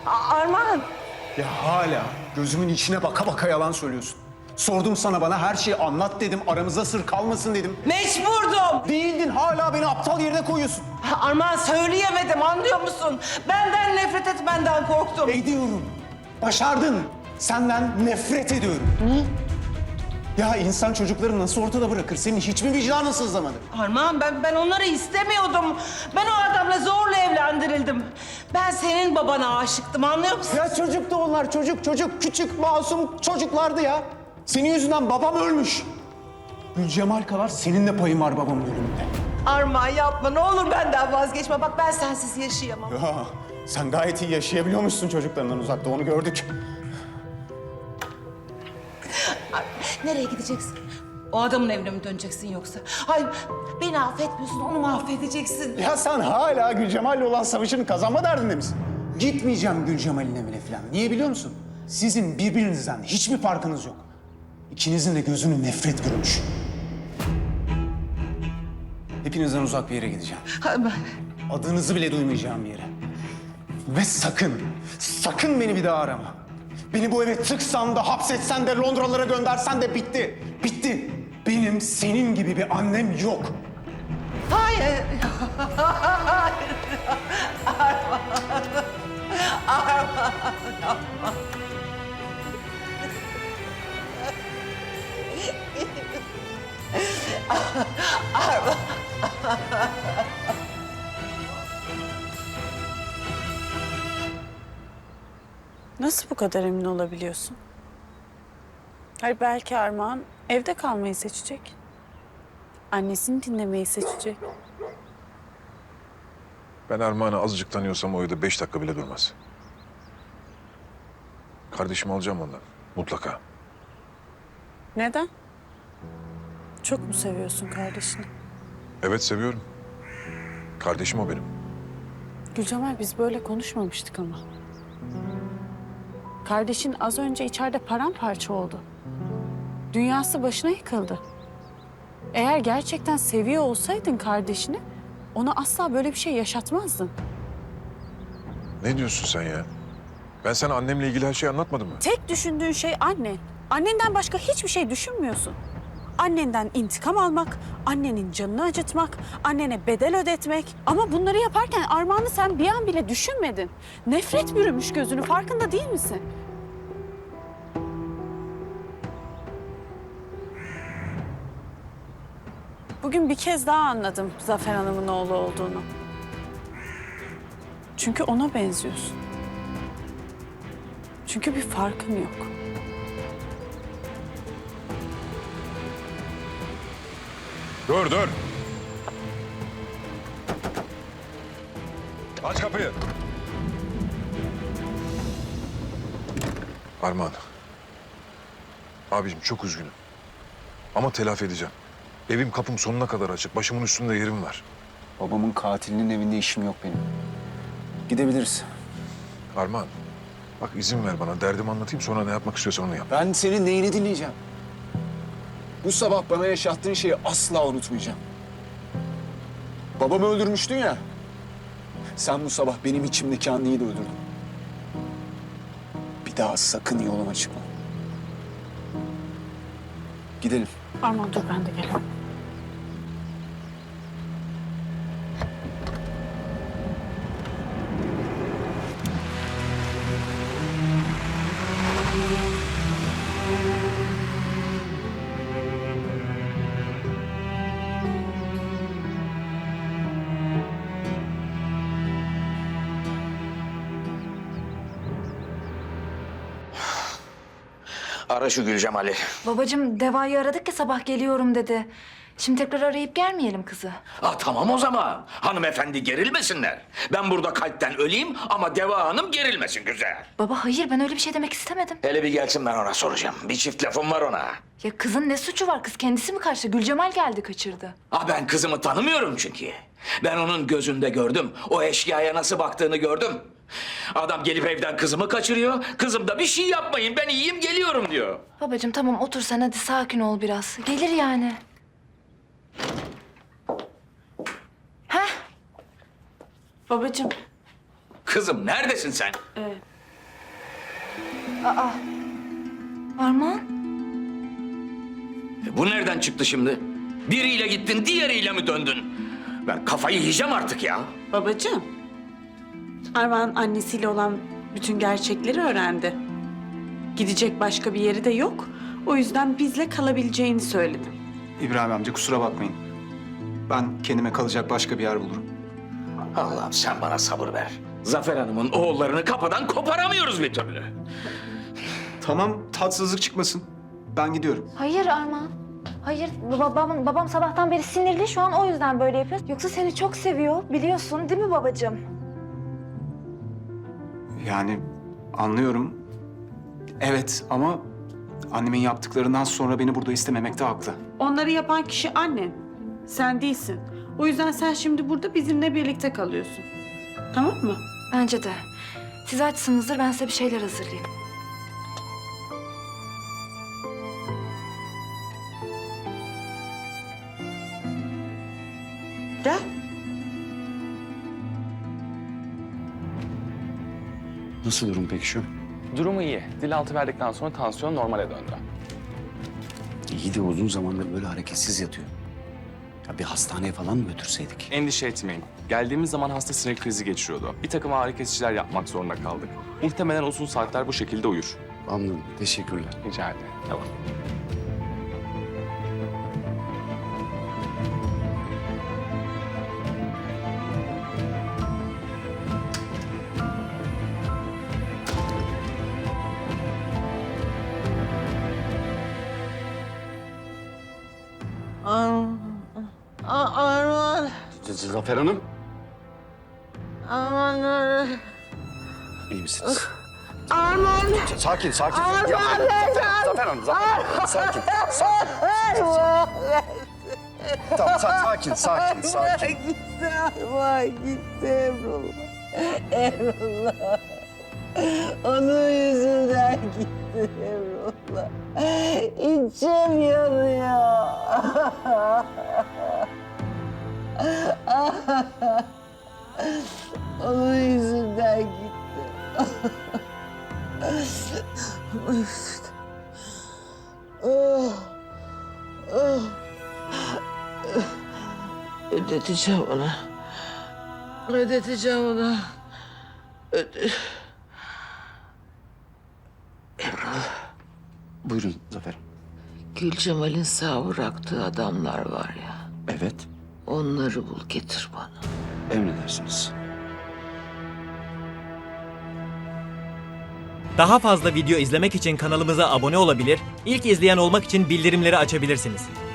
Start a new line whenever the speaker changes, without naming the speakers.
Armağan.
Ya hala gözümün içine baka baka yalan söylüyorsun. Sordum sana, bana her şeyi anlat dedim. Aramızda sır kalmasın dedim.
Mecburdum.
Değildin, hala beni aptal yerine koyuyorsun.
Armağan söyleyemedim, anlıyor musun? Benden nefret etmenden korktum.
Ediyorum. Başardın. Senden nefret ediyorum.
Ne?
Ya insan çocukları nasıl ortada bırakır? Senin hiç mi vicdanın sızlamadı?
Armağan ben onları istemiyordum. Ben o adamla zorla evlendirildim. Ben senin babana aşıktım, anlıyor musun?
Ya çocuktu onlar, çocuk. Küçük, masum çocuklardı ya. Senin yüzünden babam ölmüş. Gülcemal kadar senin de payın var babamın ölümünde.
Armağan yapma, ne olur benden vazgeçme. Bak ben sensiz yaşayamam.
Ya sen gayet iyi yaşayabiliyormuşsun çocuklarından uzakta, onu gördük.
Nereye gideceksin? O adamın evine mi döneceksin yoksa? Hayır, beni affetmiyorsun, onu mahvedeceksin.
Ya sen hala Gülcemal'le olan savaşını kazanma derdinde misin? Gitmeyeceğim Gülcemal'in evine falan. Niye biliyor musun? Sizin birbirinizden hiçbir farkınız yok. İkinizin de gözünü nefret bürümüş. Hepinizden uzak bir yere gideceğim. Adınızı bile duymayacağım bir yere. Ve sakın beni bir daha arama. Beni bu eve tıksan da, hapsetsen de, Londralara göndersen de bitti. Bitti. Benim senin gibi bir annem yok.
Hayır.
Nasıl bu kadar emin olabiliyorsun? Hayır, belki Armağan evde kalmayı seçecek. Annesini dinlemeyi seçecek.
Ben Armağan'ı azıcık tanıyorsam o evde 5 dakika bile durmaz. Kardeşimi alacağım ondan. Mutlaka.
Neden? Çok mu seviyorsun kardeşini?
Evet, seviyorum. Kardeşim o benim.
Gülcemal, biz böyle konuşmamıştık ama. Kardeşin az önce içeride paramparça oldu. Dünyası başına yıkıldı. Eğer gerçekten seviyor olsaydın kardeşini, ona asla böyle bir şey yaşatmazdın.
Ne diyorsun sen ya? Ben sana annemle ilgili her şeyi anlatmadım mı?
Tek düşündüğün şey annen. Annenden başka hiçbir şey düşünmüyorsun. Annenden intikam almak, annenin canını acıtmak, annene bedel ödetmek. Ama bunları yaparken Armağan'ı sen bir an bile düşünmedin. Nefret bürümüş gözünü, farkında değil misin? Bugün bir kez daha anladım Zafer Hanım'ın oğlu olduğunu. Çünkü ona benziyorsun. Çünkü bir farkın yok.
Dur. Aç kapıyı. Armağan. Abicim çok üzgünüm. Ama telafi edeceğim. Evim kapım sonuna kadar açık. Başımın üstünde yerim var.
Babamın katilinin evinde işim yok benim. Gidebiliriz.
Armağan, bak izin ver bana. Derdimi anlatayım, sonra ne yapmak istiyorsan onu yap.
Ben senin neyini dinleyeceğim? Bu sabah bana yaşattığın şeyi asla unutmayacağım. Babamı öldürmüştün ya. Sen bu sabah benim içimdeki anneyi de öldürdün. Bir daha sakın yoluma çıkma. Gidelim.
Armağan dur, ben de geliyorum.
Ara şu Gülcemal'i.
Babacığım Deva'yı aradık ya, sabah geliyorum dedi. Şimdi tekrar arayıp gelmeyelim kızı.
Tamam o zaman. Hanımefendi gerilmesinler. Ben burada kalpten öleyim ama Deva Hanım gerilmesin güzel.
Baba hayır, ben öyle bir şey demek istemedim.
Hele bir gelsin, ben ona soracağım. Bir çift lafım var ona.
Ya kızın ne suçu var? Kız kendisi mi kaçtı? Gülcemal geldi kaçırdı.
Ben kızımı tanımıyorum çünkü. Ben onun gözünde gördüm. O eşkıyaya nasıl baktığını gördüm. Adam gelip evden kızımı kaçırıyor. Kızım da bir şey yapmayın, ben iyiyim geliyorum diyor.
Babacığım tamam, otur sen, hadi sakin ol biraz. Gelir yani. Heh.
Babacığım,
Kızım neredesin sen?
Armağan?
Bu nereden çıktı şimdi? Biriyle gittin, diğeriyle mi döndün? Ben kafayı yiyeceğim artık ya.
Babacığım, Armağan annesiyle olan bütün gerçekleri öğrendi. Gidecek başka bir yeri de yok. O yüzden bizle kalabileceğini söyledim.
İbrahim amca kusura bakmayın. Ben kendime kalacak başka bir yer bulurum.
Allah'ım sen bana sabır ver. Zafer Hanım'ın oğullarını kafadan koparamıyoruz bir türlü.
Tamam, tatsızlık çıkmasın. Ben gidiyorum.
Hayır Armağan. Hayır, babam sabahtan beri sinirli, şu an o yüzden böyle yapıyor. Yoksa seni çok seviyor, biliyorsun değil mi babacığım?
Yani anlıyorum. Evet ama annemin yaptıklarından sonra beni burada istememekte haklı.
Onları yapan kişi annen. Sen değilsin. O yüzden sen şimdi burada bizimle birlikte kalıyorsun. Tamam mı?
Bence de. Siz açsınızdır, ben size bir şeyler hazırlayayım.
Gel.
Nasıl durum peki şu?
Durumu iyi. Dil altı verdikten sonra tansiyon normale döndü.
İyi de uzun zamandır böyle hareketsiz yatıyor. Ya bir hastaneye falan mı götürseydik?
Endişe etmeyin. Geldiğimiz zaman hasta sinir krizi geçiriyordu. Bir takım ağrı kesiciler yapmak zorunda kaldık. Muhtemelen uzun saatler bu şekilde uyur.
Anladım. Teşekkürler.
Rica ederim. Tamam.
Arman,
Zafer Hanım.
Arman nerede?
İyi misiniz?
Arman!
Sakin, sakin.
Arman
Yapmayın.
nerede?
Zafer Hanım, Zafer Hanım. Sakin, sakin.
Arman!
Tamam, sakin, sakin, sakin.
Gitti Arman, gitti Emrullah. Emrullah. Onun yüzünden gitti Emrullah. İçim yanıyor. Onun yüzünden gitti. Onun yüzünden. Ödeteceğim ona. Ödeteceğim ona.
Buyurun Zafer.
Gülcemal'in sağ bıraktığı adamlar var ya.
Evet,
Onları bul getir bana.
emredersiniz.
Daha fazla video izlemek için kanalımıza abone olabilir, ilk izleyen olmak için bildirimleri açabilirsiniz.